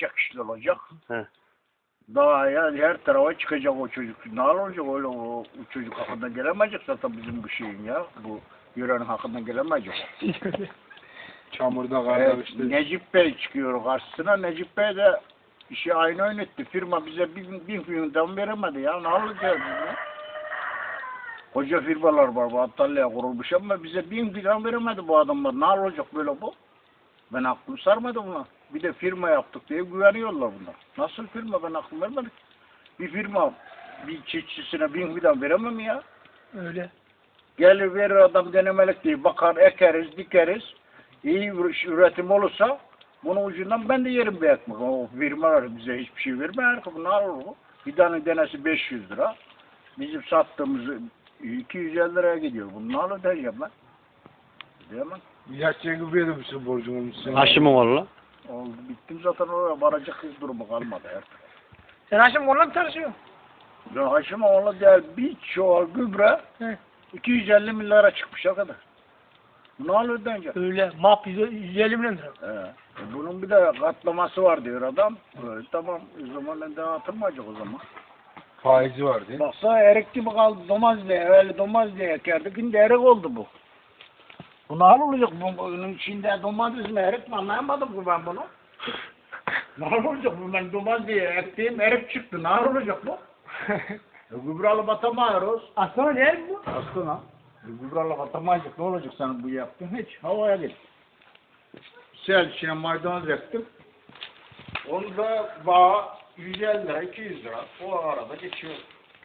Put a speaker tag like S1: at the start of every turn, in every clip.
S1: gidecek işte olacak.
S2: He.
S1: Daha ya her tarafa çıkacak o çocuk. Ne olacak öyle o çocuk hakkında gelemeyecek zaten bizim bu şeyin ya. Bu yörenin hakkında gelemeyecek.
S3: Çamurda karda işte.
S1: Necip Bey çıkıyor karşısına. Necip Bey de işi aynı oynattı. Firma bize bin filmden veremedi ya. Ne olacak ya? Koca firmalar var bu Antalya'ya kurulmuş ama bize 1000 falan veremedi bu adamlar. Ne olacak böyle bu? Ben aklım sarmadı buna. Bir de firma yaptık diye güveniyorlar bunlar. Nasıl firma, ben aklım vermedim. Bir firma bir çiftçisine 1000 falan veremem ya.
S4: Öyle.
S1: Gelir verir adam denemelik diye bakar, ekeriz, dikeriz. İyi üretim olursa bunun ucundan ben de yerim bir ekmek. O firmalar bize hiçbir şey vermiyor. Ne olur bu? Bir tane denesi 500 lira. Bizim sattığımız 250 liraya gidiyor. Bunu ne olur diyeceğim ben. Diyemem.
S3: İlaççıya gibi yedirmişsin borcun olmuşsun.
S2: Aşı mı var la?
S1: Oldu. Bittim zaten oraya varacak durumu kalmadı artık.
S4: Sen Haşim onunla mı çalışıyorsun?
S1: Ya Haşim oğlu değil bir çuval gübre
S4: He.
S1: 250 milyara çıkmış o kadar. Ne olur diyeceğim.
S4: Öyle. Map 150 milyon lira.
S1: Bunun bir de katlaması var diyor adam. Tamam o zaman ben de atılmayacak o zaman.
S3: Faizi var değil mi?
S1: Baksana erik gibi kaldı domaz diye. Öyle domaz diye ekerdik. Şimdi erik oldu bu. Bu ne olacak? Bunun içinde domates mi erik mi anlayamadım ki ben bunu. Ne olacak bu? Ben domaz diye ektiğim erik çıktı. Ne olacak bu? Gübre alıp atamıyoruz.
S4: Aslında ne bu?
S1: Aslında. Gübre alıp atamayacak. Ne olacak senin bu yaptığın? Hiç havaya git. Sel içine maydanoz ektim. Onu da bağ 150 lira, 200 lira. O arada geçiyor.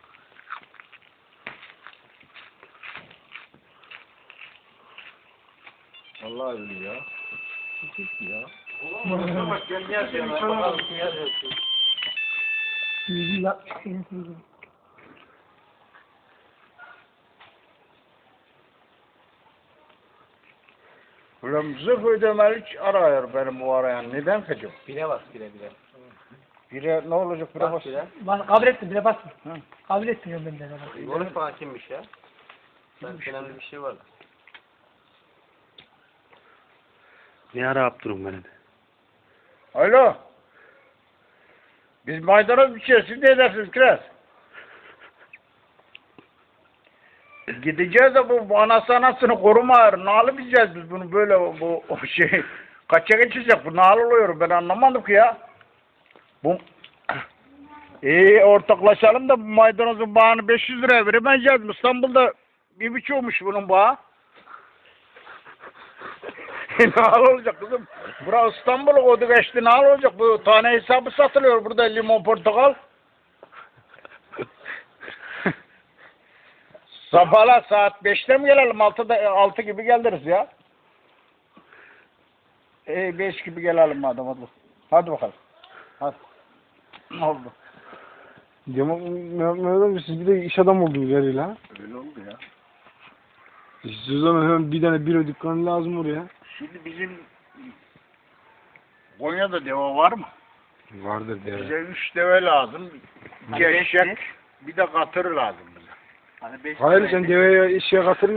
S1: Vallahi öyle ya. Ya. Ulan bak gel gel bakalım kim yazıyorsun.
S4: 160.
S1: Ulan zırh ödemeli arıyor benim bu arayan. Neden kaçıyor?
S2: Bire bas bire.
S1: Bire ne olacak bire bas.
S4: Kabul ettim bile basma.
S1: Hı.
S4: Kabul ettim ya benden.
S2: Konuş bana kimmiş ya? Önemli bir şey var. Ne ara yaptırın beni de.
S1: Alo. Biz maydanoz biçiyoruz. Siz ne edersiniz Kiraz? Gideceğiz de bu anasını koruma. Nalı bileceğiz biz bunu böyle bu o şey. Kaça geçecek bu nalı oluyor ben anlamadım ki ya. Bu ortaklaşalım da bu maydanozun bağını 500 liraya veremeyeceğiz. İstanbul'da 1,5'muş bunun bağı. Ne olacak kızım? Burası İstanbul'u kodu geçti. Ne olacak? Bu tane hesabı satılıyor burada limon portakal. Sabahla saat 5'te mi gelelim? 6 gibi geliriz ya. 5 gibi gelelim madem hadi. Hadi bakalım. Hadi. Ne oldu?
S3: Mehmet siz bir de iş adamı oldunuz yarıyla ha.
S1: Öyle oldu ya.
S3: Siz o zaman hemen bir tane bira dükkanı lazım oraya.
S1: Şimdi bizim Konya'da deve var mı?
S3: Vardır deve.
S1: Bize 3 deve lazım. Geçecek. Bir de katır lazım bize.
S2: Hani 5
S3: Hayır sen deveye işe katılmıyorsun.